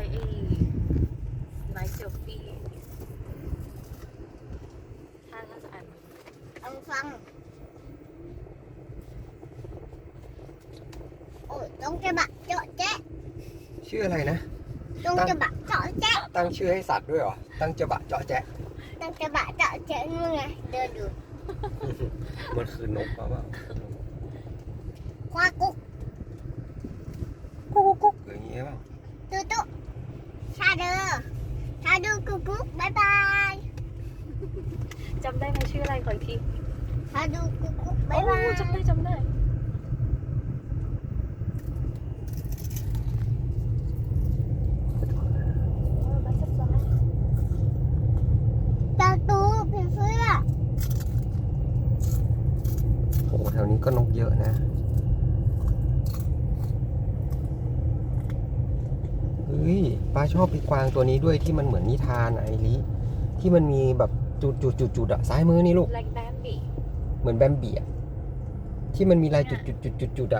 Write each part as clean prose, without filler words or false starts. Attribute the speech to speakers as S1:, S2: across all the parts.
S1: ไอ้ไลฟ์เซลฟี่ถ้าจะอ่าน
S2: เอาฟังโอ้ยต้องจะบะเจาะแจ๊ะ
S3: ชื่ออะไรนะ
S2: ต้องจะบะเจาะแจ๊ะ
S3: ตั้งชื่อให้สัตว์ด้วยเหรอ ตั้งจะบะเจาะแจ๊ะ
S2: ต้องจะบะเจาะแจ๊ะนู่นไงเดินอยู่
S3: มันคือนกเปล่า
S2: ควากุ๊ก
S3: กุ๊กกุ๊กอย่างเงี้ยเปล่า
S2: ตุ๊ตุ๊ชาเดอชาดูกุ๊กกุ๊กบายบาย
S1: จำได้ไหมชื่ออะไรขออีกที
S2: ชาดูกุ๊กกุ๊กบายบาย
S1: จำได้
S2: ตาตูผีเสื้อ
S3: โอ้แถวนี้ก็นกเยอะนะเฮ้ยป้าชอบปีกวางตัวนี้ด้วยที่มันเหมือนนิทานอะไอริที่มันมีแบบจุดอะซ้ายมือนี่ลูก
S1: แบล็คแบมบี้
S3: เหมือนแบมบี้อะที่มันมีลายจุดอะ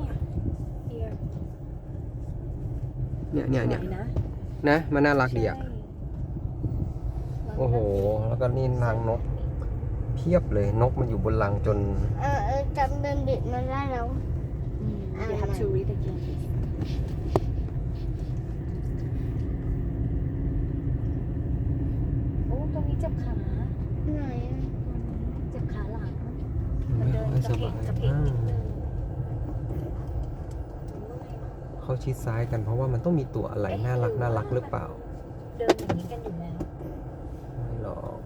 S3: เนี่ยนะมันน่ารักดีอะโอ้โหแล้วก็นี่รังนกเพียบเลยนกมันอยู่บนรังจน
S2: จำเป็นบิดมันได้แล้ว
S1: You have to read again โอ้ตัวนี้เจ็บขา
S2: ไหน
S1: เจ็บขาหลังมันเดินกระเพกนิดนึง
S3: เขาชิดซ้ายกันเพราะว่ามันต้องมีตัวอะไรน่ารักหรือเปล่า
S1: เดินอย่างนี้กันอยู่แล้ว
S3: ไม่หรอก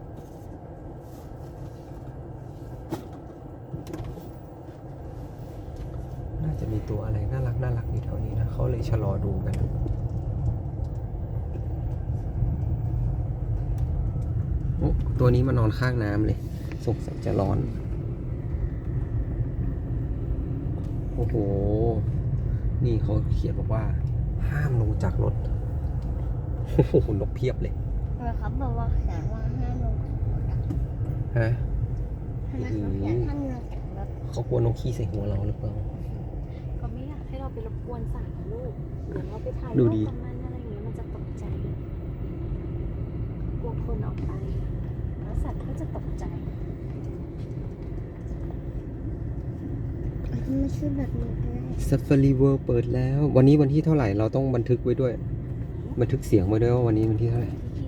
S3: น่าจะมีตัวอะไรน่ารักอยู่แถวนี้นะเขาเลยชะลอดูกันโอ้ตัวนี้มานอนข้างน้ำเลยสงสัยจะร้อนโอ้โหนี่เขาเขียนบอกว่าห้ามลงจากรถโอ้โหนกเพียบเลย
S2: เขาบอกว่าแขนว่าห้ามลง
S3: ฮะ
S2: เขาเขียนห้ามลงจากรถ
S3: เขากลัวนกขี้ใส่หัวเราหรือเปล่า
S1: เขาไม่อยากให้เราไปรบกวนสัตว์นะลูก เดี๋ยวเราไปถ่าย
S3: ดู
S1: รูป
S3: ดิ
S1: กับมันอะไรอย่างเงี้ยมันจะตกใจ กลัวคนออกไป แล้วสัตว์ก็จะตกใจ
S2: ไม่ใช่แบบนี้ก็ได้
S3: Safari World เปิดแล้ว วันนี้วันที่เท่าไหร่เราต้องบันทึกไว้ด้วย บันทึกเสียงไว้ด้วยว่าวันนี้วันที่เท่าไหร่
S1: ที่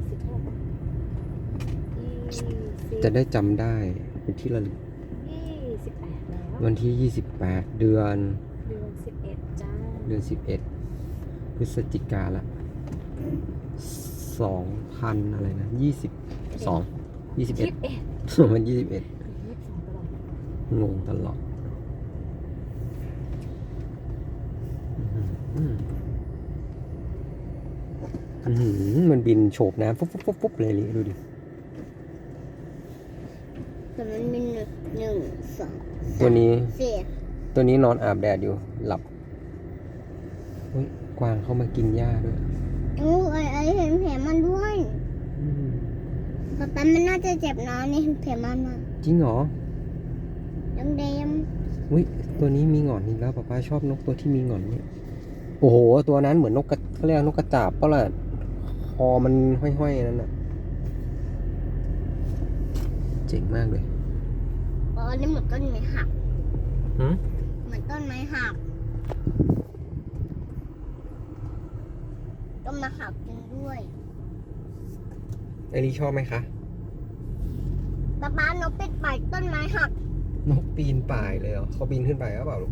S1: 26
S3: จะได้จำได้เป็นที่ระลึก
S1: 28แล้ว
S3: วันที่ 28 เดือน
S1: เดือน11จ้า
S3: เดือน 11 พฤศจิกาละ 2,000 อะไรนะ 22 21 มัน 21
S1: 22ตลอด
S3: งงตลอดมันบินโฉบน้ำฟุบเลยดูดิ
S2: แต่มันมีหนึ่งสอง
S3: ตัวนี้
S2: สี่
S3: ตัวนี้นอนอาบแดดอยู่หลับเฮ้ยกวางเข้ามากินหญ้าด้วย
S2: โอ้ไอเห็นแผลมันด้วยป๊าป๊ามันน่าจะเจ็บนะนี่เห็นแผลมันมา
S3: จริงเหรอ
S2: แดง
S3: อุ้ยตัวนี้มีหงอนอีกแล้วป๊าป๊าชอบนกตัวที่มีหงอนนี่โอ้โหตัวนั้นเหมือนนกกระเขาเรียกนกกระจาบเปล่าล่ะคอมันห้อยๆนั่นน่ะเจ๋งมากเลย
S2: ๆอ๋อนี่เหมือนต้นไม้หัก
S3: หืม
S2: เหมือนต้นไม้หักต้นไม้หักจริงด้วย
S3: ไอรีชอบไหมคะ
S2: ป๊าป๊านกเป็ดป่ายต้นไม้หัก
S3: นกปีนป่ายเลยเหรอเขาบินขึ้นไปหรือเปล่าลูก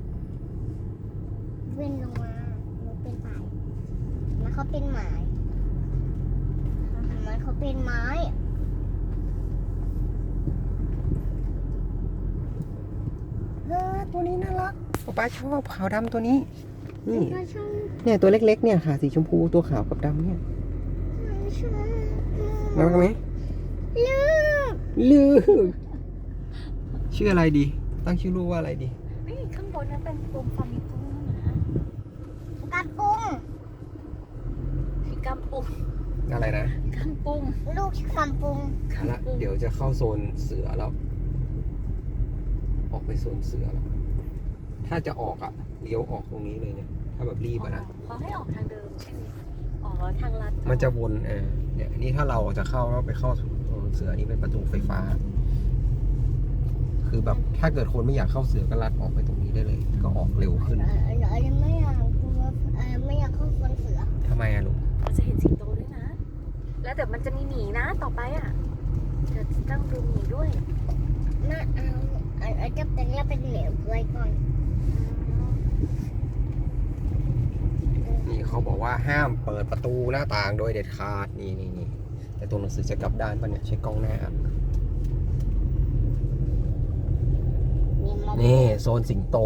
S2: เว้นลงมานกเป็นป่ายแล้วเขาเป็นไม้เห็นไหมเขาเป็นไม้
S3: ตัวนี้น่ารักป๊าป๊าชอบขาวดำตัวนี้นี่
S2: ก็ชอบ
S3: เนี่ยตัวเล็กๆเนี่ยค่ะสีชมพูตัวขาวกับดำเนี่ย
S2: ชอบ
S3: น่ารักไหม
S2: ลูก
S3: ลูกชื่ออะไรดี ตั้งชื่อลูกว่าอะไรดี
S1: นี่ข้างบนนั้นเป็นกลุ่มฟามิโก้นะ
S2: กระปุง
S1: พี่กำปุง
S3: อะไรนะ
S1: กำปุง
S2: ลูกกำปุง
S3: เอาละเดี๋ยวจะเข้าโซนเสือแล้ว ออกไปโซนเสือแล้ว ถ้าจะออกอ่ะเลี้ยวออกตรงนี้เลยเนี่ย ถ้าแบบรีบอะนะ
S1: เขาให้ออกทางเดิมใช่ไหมทางลัด
S3: มันจะวนเนี่ยอันนี้ถ้าเราจะเข้าก็ไปเข้าโซนเสือนี่เป็นประตูไฟฟ้า คือแบบถ้าเกิดคนไม่อยากเข้าเสือก็ลัดออกไปตรงนี้ได้เลย ก็ออกเร็วขึ้น
S2: ไม่อยากกลัวไม่อยากเข้าสวนเสือ
S3: ทำไมอะลูก
S1: เราจะเห็นสิงโตด้วยนะ แล้วเดี๋ยวมันจะมีหมีนะต่อไปอ่ะเดี๋ยวจะต้องดูหมีด้วย
S2: ไม่เอาจะเป็นแล้วเป็นเหลวไว้ก่อน
S3: นี่เขาบอกว่าห้ามเปิดประตูหน้าต่างโดยเด็ดขาดนี่แต่ตัวหนังสือจะกลับด้านป่ะเนี่ยใช้กล้องหน้าอ่านนี่โซนสิงโต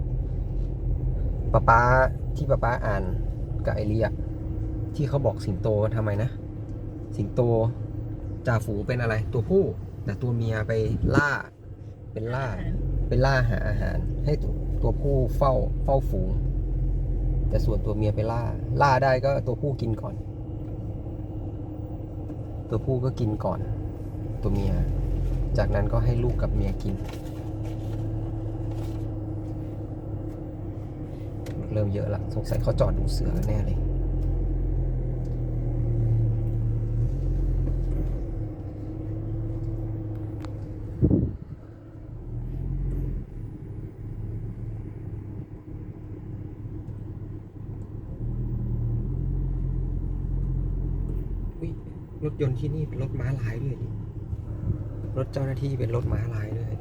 S3: ป๊าที่ป๊าอ่านกับไอเรียที่เขาบอกสิงโตทำไมนะ สิงโตจ่าฝูงเป็นอะไรตัวผู้แต่ตัวเมียไปล่าหาอาหาร ให้ตัวผู้เฝ้าฝูง แต่ส่วนตัวเมียไปล่าได้ก็ตัวผู้กินก่อน ตัวผู้ก็กินก่อน ตัวเมีย จากนั้นก็ให้ลูกกับเมียกิน เริ่มเยอะละสงสัยเขาจอดดูเสือแน่เลยรถยนต์ที่นี่เป็นรถม้าลายด้วยนี่รถเจ้าหน้าที่เป็นรถม้าลายด้วย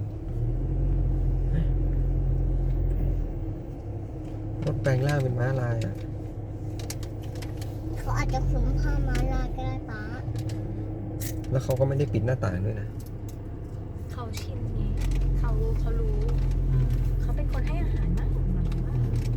S3: รถแปลงร่างเป็นม้าลายอ่ะ
S2: เขาอาจจะคุ้มผ้าม้าลายก็ได้ป้า
S3: แล้วเขาก็ไม่ได้ปิดหน้าต่างด้วยนะ
S1: เขาชินไงเขารู้เขาเป็นคนให้อาหารมากกว่ามันว่า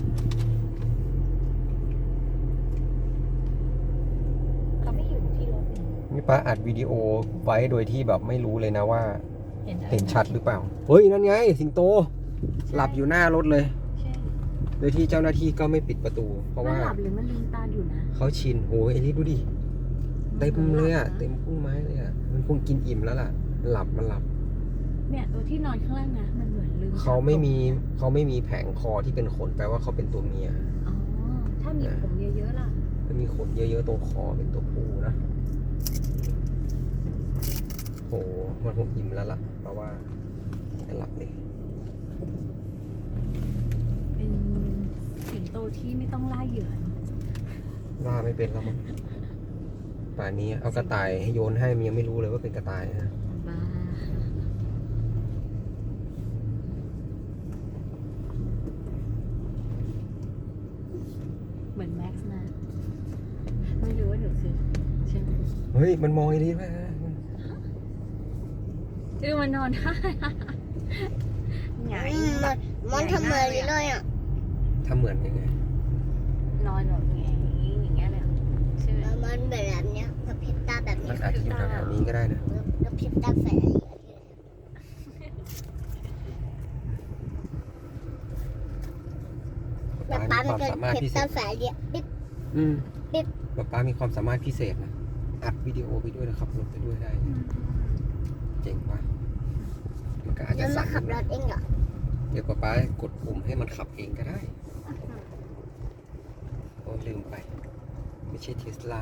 S1: เขาไม่อยู่ที่รถนี่
S3: นี่ป้าอัดวิดีโอไว้โดยที่แบบไม่รู้เลยนะว่า
S1: เห็
S3: เห็
S1: น
S3: นชัดหรือเปล่า เฮ้ย นั่นไง สิงโต หลับอยู่หน้ารถเลย
S1: ใช่
S3: โดยที่เจ้าหน้าที่ก็ไม่ปิดประตู เพราะ
S1: มัน
S3: ว่า
S1: หลับหรือมันลืมตาอยู่นะ
S3: เขาชินโหเอลิสดูดิ เต็มเลยอ่ะ เต็มพุ่มไม้เลยอ่ะ มันคงกินอิ่มแล้วล่ะ มันหลับ
S1: เนี่ยตัวที่นอนข้างล่างนะมันเหมือนลืมต
S3: เขาไม่มีแผงคอที่เป็นขนแปลว่าเขาเป็นตัวเมีย
S1: อ๋อถ้ามีผมเยอะๆล่ะ
S3: มันมีขนเยอะๆตรงคอเป็นตัวผู้นะโหมันคงอิ่มแล้วล่ะ เพราะว่าจะหลับเลย
S1: เป็นสิงโตที่ไม่ต้องล่าเหยื่อ
S3: ล่าไม่เป็นแล้วมั้งป่านนี้เอากระต่ายให้โยนให้มันยังไม่รู้เลยว่าเป็นกระต่ายนะ
S1: บ้าเหมือนแม็กซ์นะไม่รู้ว่าหนูคือใช่ไหม
S3: เฮ้ย มันมองไอ้นี่ไหม
S1: มันนอนได้หงาย
S2: มันทำเหมือนเลยอ่ะ
S3: ทำเหมือนยังไง
S1: นอนแบบไงอย่างเงี้ยเลยใช่ไหม
S2: มันแบบเนี้ยกระพริบตาแบบ
S3: มั
S2: นี้
S3: นอาจจะอยู่แถวๆนี้ก็ได้นะ
S2: กระพริบตาแฝง
S3: ป๊า
S2: ป้า
S3: มี
S2: มัน
S3: ความ
S2: ก็
S3: สามารถ
S2: พริบ
S3: พิเศ
S2: ตา
S3: ษ
S2: แฝงเดียวปิ๊บ ปิ๊บ
S3: ป๊ามีความสามารถพิเศษนะ อัดวิดีโอไปด้วยนะครับรถไปด้วยได้ เจ๋งว่ะมันก็อาจ
S2: แล้
S3: จะ
S2: วมา
S3: สั่น
S2: ขับรถเองเหรอ
S3: เดี๋ยวป๊ากดปุ่มให้มันขับเองก็ได้ โอ้ลืมไป ไม่ใช่เทสลา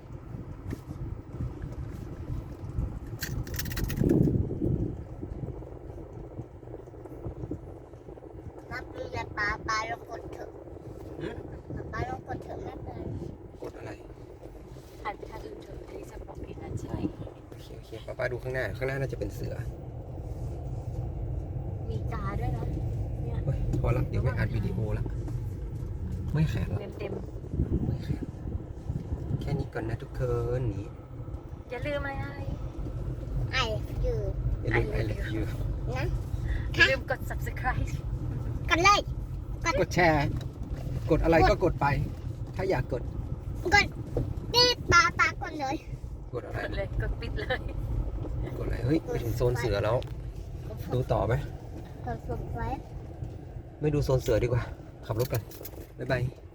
S2: นับดูแต่ป้าลองกดเถอะ
S3: หืม
S2: ป้าลองกดเถอะไม่เป็นไร
S3: กดอะไร
S1: หันไปทางอื่นเถอะที่จะบอกเองนะใช่
S3: โอเคป๊าดูข้างหน้าน่าจะเป็นเสือ
S1: มีกาด้วยนะเนี่ย
S3: เฮ้ยพอละเดี๋ยวไม่อัดวิดีโอละไม่แข็งละ
S1: เต็ม
S3: ไม่แข็งแค่นี้ก่อนนะทุกคนนี่
S1: ๆอย่าลืมอะไร
S2: ไอ้ยืด
S3: อย่าลืม I love you
S2: นะ
S1: อย่าลืมกด subscribe
S2: กันเลย
S3: กดแชร์ กดอะไรก็กดไป ถ้าอยากกด
S2: กดนี่ป้ากดเลย
S3: กดอะไร
S1: กดเลยกดปิดเลย
S3: กดอะไร เฮ้ยไปถึงโซนเสือแล้ว ดูต่อไหม
S2: กดไว้
S3: ไม่ดูโซนเสือดีกว่า ขับรถกัน บ๊ายบาย